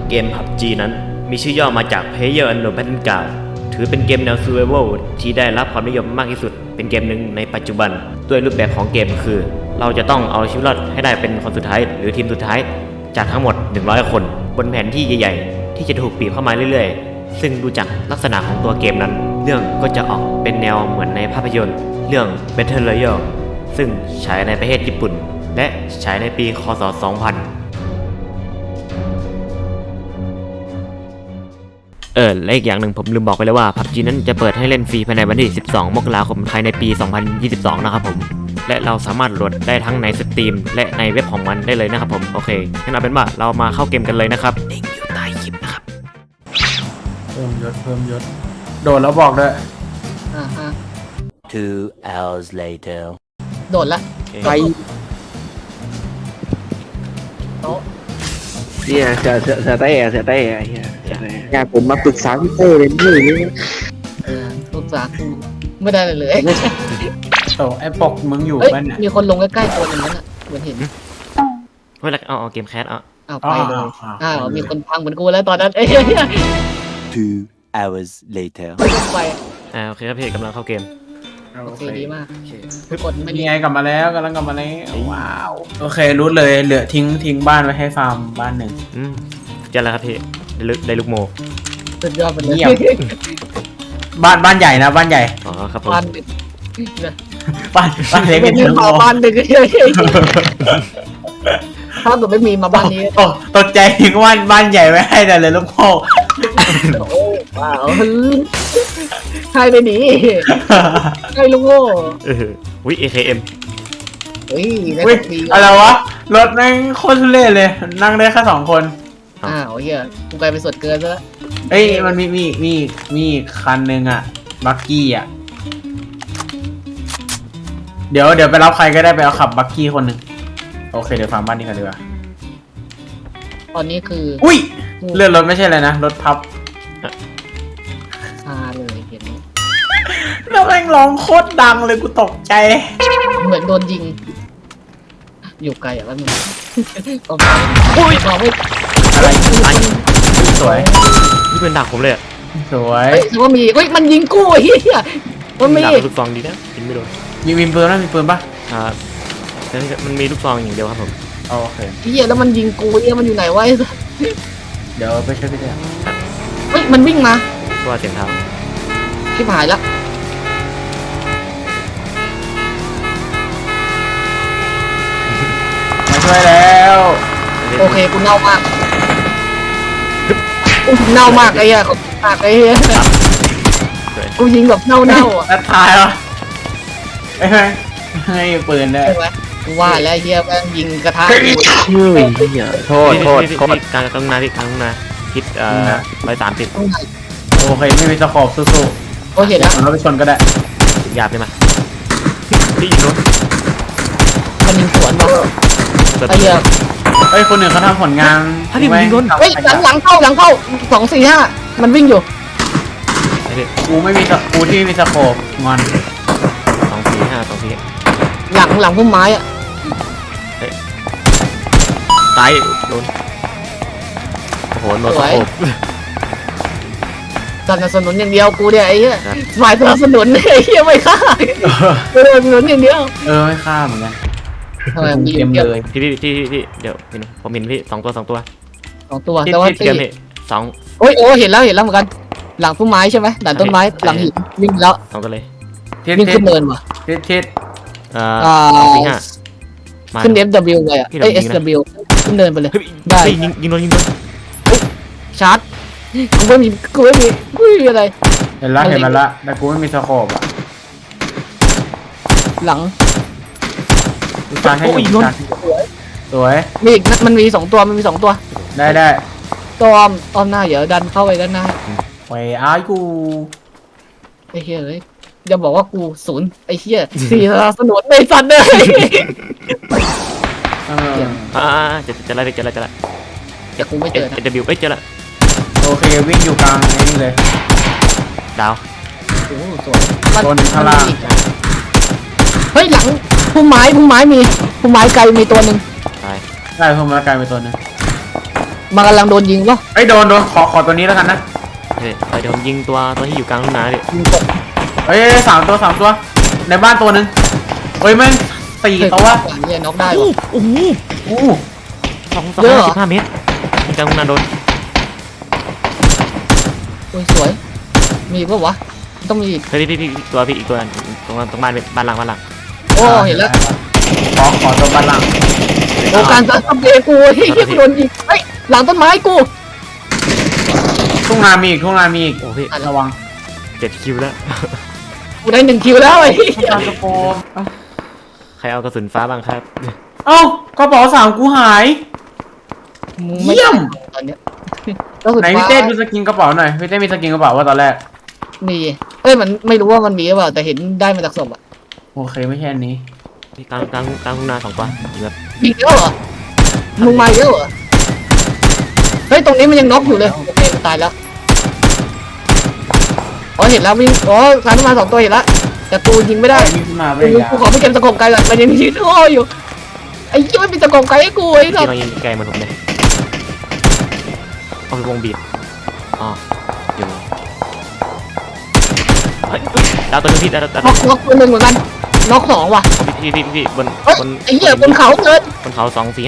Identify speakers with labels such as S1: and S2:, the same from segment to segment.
S1: เกม PUBG นั้นมีชื่อย่อมาจาก Player Unknown Battleground ถือเป็นเกมแนว Survival ที่ได้รับความนิยมมากที่สุดเป็นเกมหนึ่งในปัจจุบันด้วยรูปแบบของเกมคือ เราจะต้องเอาชีวิตรอดให้ได้เป็นคนสุดท้ายหรือทีมสุดท้ายจากทั้งหมด100คนบนแผนที่ใหญ่ๆที่จะถูกบีบเข้ามาเรื่อยๆซึ่งดูจากลักษณะของตัวเกมนั้นเรื่องก็จะออกเป็นแนวเหมือนในภาพยนตร์เรื่อง Battle Royale ซึ่งฉายในประเทศญี่ปุ่นและฉายในปีค.ศ. 2000และอีกอย่างหนึ่งผมลืมบอกไปแล้วว่า PUBG นั้นจะเปิดให้เล่นฟรีภายในวันที่ 12 มกราคมภายในปี 2022 นะครับผมและเราสามารถโหลดได้ทั้งในสตรีมและในเว็บของมันได้เลยนะครับผมโอเคงั้นเอาเป็นว่าเรามาเข้าเกมกันเลยนะครับลิงก์อยู่ใต้คลิปนะครับ
S2: เพิ่มยศโดดแล้วบอกด้วย
S3: 2 hours later
S4: โดดละไปโต๊ะ
S5: เนี่ยเสือเต้เฮียอยากผมมาปรึกษาพี่เต้เลยนี่
S4: ปรึกษากูไม่ได้เลย
S2: โตไอ้ปกมึงอยู่บ้านเนี่ย
S4: มีคนลงใกล้ๆตัวนึงนั่นอ่ะเหมือนเห็น
S1: เฮ้ยเอาเกมแคส
S4: เอาไปเลยมีคนพังเหมือนกูแล้วตอนนั้น
S3: 2 hours later
S4: ไป
S1: โอเคครับพี่กำลังเข้าเกม
S4: โอเคดีมากกดไม่
S2: มีไงกลับมาแล้วกำลังกลับมาแล้วว้าวโอเครู้เลยเหลือทิ้งบ้านไว้ให้ฟาร์มบ้านหนึ่ง
S1: จะแล้วครับพี่ได้ลูกโม
S4: สุดยอดไปเลย
S2: บ้านใหญ่นะบ้านใหญ่
S1: อ๋อครับผม
S2: บ้านเล็ก
S4: ไม่มีมาบ้านหนึ่งถ้าตัวไม่มีมาบ้านนี้
S2: ตกใจทิ้งบ้านใหญ่ไว้ให้แต่เลยลูกพ่อ
S4: โอ้ว้าวใครไปหนีใครลูกโง่
S1: วิ AKM
S4: เฮ้ย
S2: อะไรวะรถแม่งโคตรทุเรศเลยนั่งได้แค่2 คน
S4: เฮียกูกลายเป็นส่วนเกินซะแล้ว
S2: เอ้ยมันมีคันหนึ่งอะบักกี้อะเดี๋ยวไปรับใครก็ได้ไปเอาขับบักกี้คนหนึ่งโอเคเดี๋ยวฟาร์มบ้านนี้กันดีกว่า
S4: ตอนนี้คือ
S2: อุ้ยเลื่อนรถไม่ใช่เลยนะรถพับ
S4: เลยเห็น
S2: แล้วแม่งร้องโคตรดังเลยกูตกใจ
S4: เหมือนโดนยิงอยู่ไกลอ่ะแล้วมึงอุ้ย
S2: อะไรสวย
S1: นี่เป็นดักผมเลย
S2: สวย
S4: ถือว่ามีมันยิงกู้เฮียมันมี
S1: ลูกซองดีนะยิงไม่โดน
S2: มีปืนนะมีปืนปะ
S1: มันมีลูกซองอย่างเดียวครับผม
S2: โอเค
S4: เฮียแล้วมันยิงกูเฮียมันอยู่ไหนวะ
S2: เดี๋ยวไปช่วยพี่แจ๊
S4: มันวิ่งมา
S1: ตัวเสียงเท้า
S4: ชิบหายละ
S2: มาช่วยแล้ว
S4: โอเคกูเน่ามากกูเน่ามากไอ้เหี้ยปากไอ้เหี้ยกูยิงแบบเน่าอ่ะ
S2: แล้วตายเหรอให้ปืนได้
S4: กูว่าแล้วเหี้ยแม่งยิงกระทะ
S1: โทษกลางนาพี่กลางนาคิด130
S2: โอเคไม่มีสกอบสู้
S4: โอเคแล้ว
S2: เราไปชนก็ได้
S1: หยาบเลยมาพี่ยิงรถ
S4: มันยิงสวนมาไอ้เหี้ย
S2: คนหนึ่งเขาทำผลงาน
S1: ถ้าพี่ยิงรถ
S4: หลังเข้า245มันวิ่งอยู่
S2: กูที่ไม่มีสกอบงอน
S1: 245
S4: หลังพุ่มไม้อ่ะ
S1: ตายโดนโอ้โหโดนสกอบ
S4: สนับสนุนอย่างเดียวกูเนี่ยไอ้เหี้ยฝ่ายสนับสนุนไอ้เหี้ยไม่ฆ่าสนับสนุนอย่างเดียว
S2: ไม่ฆ่าเหมือนกัน
S4: ทำไมมี
S2: เต็มเลย
S1: พี่เดี๋ยวผมเห็นพี่2 ตัว
S4: แต่ว่า
S1: พี่
S4: โอ้เห็นแล้วเหมือนกันหลังต้นไม้ใช่ไหมหลังต้นไม้หลังหินวิ่งแล้ว
S1: 2 ตัวเลย
S4: วิ่งขึ้นเนินว่ะ
S2: ทิศ
S4: ขึ้น FW เลยอ่ะSW ขึ้นเนินไปเลย
S1: ได้ยิงโดน
S4: ชาร์จกูไม่มีอะไร
S2: เห็นมันละแต่กูไม่มีสโคปอ่ะ
S4: หลัง
S2: การให้ยิงสวย
S4: มันมี2 ตัว
S2: ได้
S4: ตัวอ้อมหน้าเดี๋ยวดันเข้าไปด้านหน้า
S2: ไปอ้ายกู
S4: ไอ้เหี้ยเลยอย่าบอกว่ากู0ไอ้เหี้ย4สนับสนุนในสัตว์เลย
S1: จะไล่
S4: แต่กูไม่เจอนะ
S1: SWเจอละ
S2: โอเควิ่งอยู่กลางนี่เลย
S1: ดาว
S4: โอ้สวย
S2: โดนข้างล่าง
S4: เฮ้ยหลังพุ่มไม้มีพุ่มไม้ไกลมีตัวหนึ่ง
S2: ได้พุ่มไม้ไกลมีตัวหนึ่ง
S4: มันกำลังโดนยิงวะ
S2: ไอ้ยโดนขอตัวนี้แล้วกันนะ
S1: เฮ้ยเดี๋ยวผมยิงตัวที่อยู่กลางทุ่งนาพี่
S4: ยิงตก
S2: เฮ้ยสามตัว ในบ้านตัวหนึ่งเฮ้ยแม่ง4 ตัว
S4: เนี่ยน็อกได้วะ
S1: โอ้โห
S2: อู้
S1: 2
S4: เยอะเหรอ
S1: 15 เมตรยิงกลางทุ่งนาโดน
S4: โอ้ยสวย มีปะวะต้องมีอีก
S1: เฮ้ยพี่อีกตัวตรงบ้านบ้านหลัง
S4: โอ้เห็นแล้ว
S2: ขอตัวบ้านหลัง
S4: โอ้การซัดเบกูไอ้เหี้ยกูโดนยิงเฮ้ยหลังต้นไม้กู
S2: ทุ่งนามีอีก
S1: โอ้พี่
S2: ระวัง
S1: 7 คิวแล้ว
S4: กูได้1 คิวแล้วไอ้เหี้ย
S2: ตามสโปม
S1: ใครเอากระสุนฟ้าบ้างครับ
S2: เอ้ากระเป๋า3กูหาย
S4: มึงไม่
S2: เยี่ยม
S4: ตอนเนี้ยก็สุด
S2: ไหนพี่เต้ดูสกินกระเป๋าหน่อยพี่เต้มีสกินกระเป๋าว่าตอนแรก
S4: มีเอ้ยมันไม่รู้ว่ามันมีหรือเปล่าแต่เห็นได้มาจากศพอะ
S2: โอเคไม่ใช่อันนี้
S1: พี่กลางทุ่งนา2 ตัวยิงแบบ
S4: ยิงแล้วเหรอมึงมาเยอะเหรอเฮ้ยตรงนี้มันยังน็อกอยู่เลยโอเคมันตายแล้วอ๋อเห็นแล้ววิ่งอ๋อการมา2 ตัวเห็นแล้วแต่กูยิงไม่ได้
S2: นี่ขึ้นมาไป
S4: กู
S2: ยา
S4: ขอไปเก็บตะกบไกลก่อนมันยังยืนโอ้อยู่ไอ้ยี่ไม่เป็นตะกบไกลให้กูไอ้สั
S1: พี่
S4: ส
S1: ลองยิงไกลเหมือนผมเลยเอาวงบีบอ๋ออยู่เฮ้ยดาวตัวนึงพี่ดาว
S4: น็อกตัวหนึ่งเหมือนกันน็อก2ว่ะ
S1: พี่บน
S4: เฮ้ยไอ้เหี้ยบนเขาเกิน
S1: บนเขา2 4 5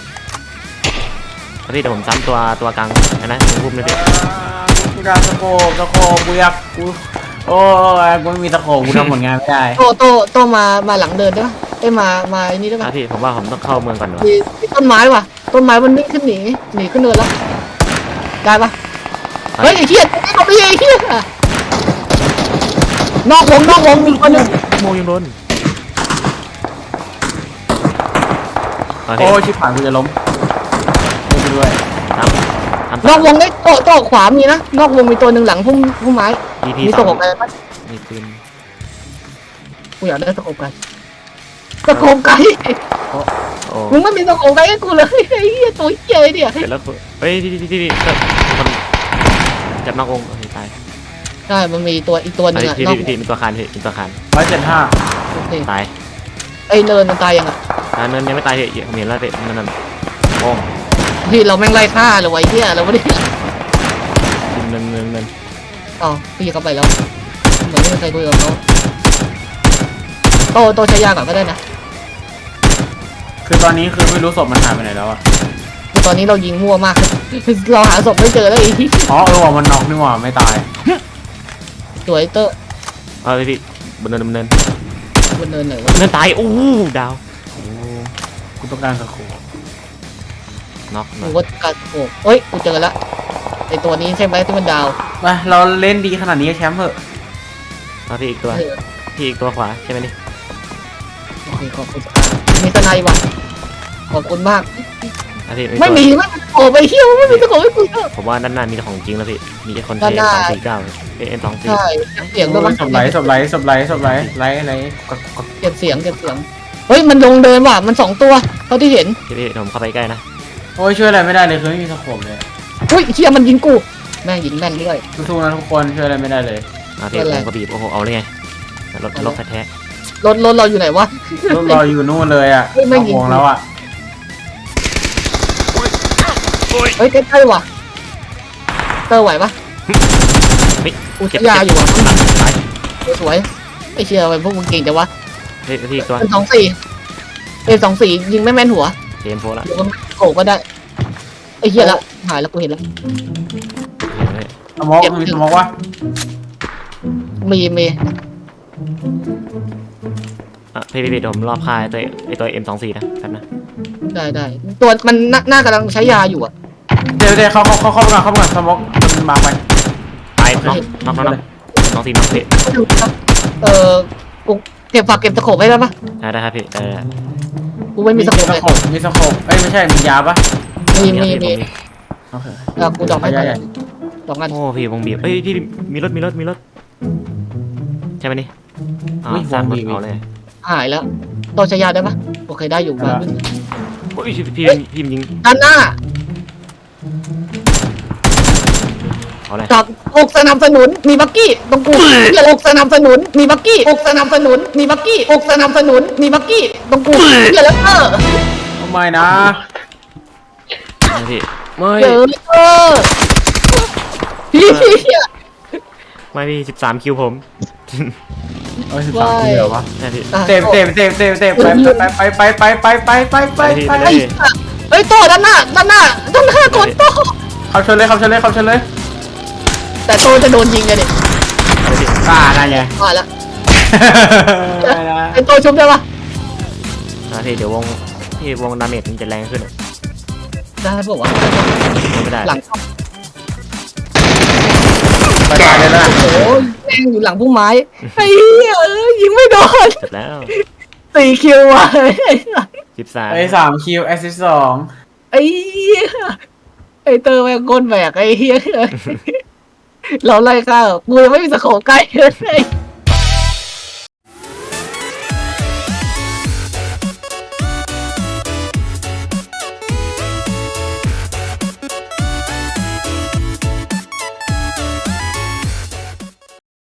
S1: พี่เดี๋ยวผมซ้ำตัวกลางนะตรงพุ่มเลยพี่
S2: กูดาสโคปกูอยากกูโอ้ยกูไม่มีสโคปกูทำผลงานไม่ได้
S4: โตมาหลังเดินได้ปะเอ้ยมาไอ้นี่ได้ปะ
S1: พี่ผมว่าผมต้องเข้าเมืองก่อนวะ
S4: มีต้นไม้ว่ะต้นไม้มันวิ่งขึ้นหนีขึ้นเนินแล้วได้ปะเฮ้ยไอ้เหี้ยเอาไปไอ้เหี้ยนอกวงมีคนหนึง
S1: โมยังโดน
S2: โอ้ยชิบหายกูจะล้มไม่ด้วย
S4: นอกวงได้โตขวามีนะนอกวงมีตัวหนึ่งหลังพุ่มไม้
S1: ที
S4: มี
S1: ส
S4: ต
S1: อก ง
S4: ไกลปะ
S1: มีปืน
S4: กูอยากได้ตะโกไกลตะโกไกล
S1: โอ้
S4: มึงไม่มีตะโกไกลให้กูเลยไอ้เหี้ยตัวเหี้ยเนี่ย
S1: เสร็จแล้วเฮ้ยพี่คนจับนอกวงตาย
S4: ใช่มันมีตัวอีกตัวหนึงอะ
S1: พี่
S4: นอก
S1: มีตัวคานพี่มีตัวคาน
S2: 175
S4: โอเค
S1: ตาย
S4: ไอ้เนินมันตายยังอะ
S1: เนินยังไม่ตายพี่ผมเห็นแล้วพี่นั่นโอ้
S4: พี่เราแม่งไล่ฆ่าเลยไอ้เหี้ยเราไม่ได้
S1: เนิน
S4: อ๋อพี่เข้าไปแล้วเหมือนไม่มีใครคุยกับเขาโตใช้ยาก่อนก็ได้นะ
S2: คือตอนนี้คือไม่รู้ศพมันหายไปไหนแล้วอะ
S4: คือตอนนี้เรายิงมั่วมาก เราหาศพไม่เจอแล้วไอ้ที่
S2: อ๋อว่ามันน็อกนี่หว่าไม่ตาย
S4: สวยเตอร์
S1: พี่บนเนิน
S4: บนเนินไหนวะ
S1: เนินตายโอ้ดาว
S2: กูต้องการสโคป
S1: น็อก
S4: กูก็กัดโอ้เฮ้ยกูเจอแล้วไอ้ตัวนี้ใช่ไหมที่มันดาว
S2: ไปเราเล่นดีขนาดนี้แชมป์เถอะ
S1: พี่อีกตัวพี่อีกตัวขวาใช่ไหมนี่
S4: โอเคขอบคุณมีสไนว่ะขอบคุณมาก
S1: พี่
S4: ไม่มีโอ้ไปเที่ยวไม่มีตะโกนให้กูเถอะ
S1: ผมว่าด้านหน้ามีของจริงแล้วพี่มีคนเท
S4: ด้านหน้า
S1: 249เอ็น24
S4: ใช่เสียงด้วยมั้ง
S2: ศพไหล
S4: เก็บเสียงเฮ้ยมันลงเดินว่ะมัน2 ตัวเท่าที่เห็น
S1: พี่ผมเข้าไปใกล้นะ
S2: โอ้ยช่วยอะไรไม่ได้เลยคือไม่มีสโคปเลย
S4: อุ้ยเฮียมันยิงกูแม่งยิงแม่นด้วย
S2: สู้ๆนะทุกคนช่วยอะไรไม่ได้เลย
S1: พี่ผมก็บีบโอ้โหเอาเลยไงรถแท้
S4: รถเราอยู่ไหนวะ
S2: รถรออยู่นู่นเลยอ่ะ
S4: เฮ้ยไม่ยิง
S2: ห่วงแล้วอ่ะ
S4: เฮ้ยใกล้ๆว่ะเตอร์ไหวปะ อุทยาอยู่อ่ะ
S1: ตาย
S4: สวยไอ้เชียร์ไปพวกมึงเก่งจังวะ
S1: พี่อีกตัว
S4: เป็น24ยิงไม่แม่นหัว
S1: เจมโฟละ
S4: เดี๋ยวมันโกก็ได้ไอ้เชียละหายแล้วกูเห็นแล้ว
S2: สมองมีสมองวะ
S4: มี
S1: พี่เดี๋ยวผมรอบคายตัว M24 นะแป๊บนะ
S4: ได้ตัวมันน่ากำลังใช้ยาอยู่อ่ะ
S2: เดี๋ยวเข้าไปก่อนสมองมันมาไป
S1: ตายน็อก24น็อกพี่
S4: กูเก็บฝากเก็บตะโขบไว้ได้ปะ
S1: ได้ครับพี่ได้
S4: กูไม่มีตะโขบเลย
S2: มีสโคปเอ้ยไม่ใช่มียาปะ
S4: มี
S2: โอเค
S4: กูดอกให้ก่อนดอกงั้น
S1: โอ้พี่วงบีบเอ้ยพี่มีรถใช่ไหมนี่สร้างรถเอาเลย
S4: หายแล้วตัวใช้ยาได้ปะโอเคได้อยู่บ้าน
S1: โอ้ยพี่ยิง
S4: ด้านหน้า
S1: เอาเลย
S4: จับอกสนับสนุนมีบักกี้ตรงกูอย่าอกสนับสนุนมีบักกี้อกสนับสนุนมีบักกี้อกสนับสนุนมีบักกี้ตรงกูอย่าแล้ว
S2: ไม่นะ
S1: พี่
S2: โ
S1: ไม่
S4: เจอพี่
S1: ไม่พี่13 คิวผม
S2: เอา13ทีเหรอวะ
S1: นะพี่
S2: เต็มไป
S1: พี่
S2: ไป
S1: ไปเลย
S4: เฮ้ยโตด้านหน้ากดโต
S2: เขาชนเลย
S4: แต่โตจะโดนยิงกันดิ
S1: ไปพี่
S2: นั่นไง
S4: มาแล้วไอโตชุบได้ปะ
S1: นะพี่เดี๋ยววงดาเมจมันจะแรงขึ้นอะ
S4: ได้ปะวะ
S1: ไม่ได้
S4: หลัง
S2: ไปตายเลยนะ
S4: โอ้ยแม่งอยู่หลังพุ่มไม้ไอ้เหี้ยยิงไม่โดน
S1: เสร็จแล้ว
S4: 4 คิวว่ะ
S1: 13
S2: ไอ้3คิวแอสซิส2
S4: ไอ้เหี้ยไอ้เตอร์แม่งก้นแบกไอ้เหี้ยเราไล่ข้าวกูยังไม่มีสโคปใกล้เลย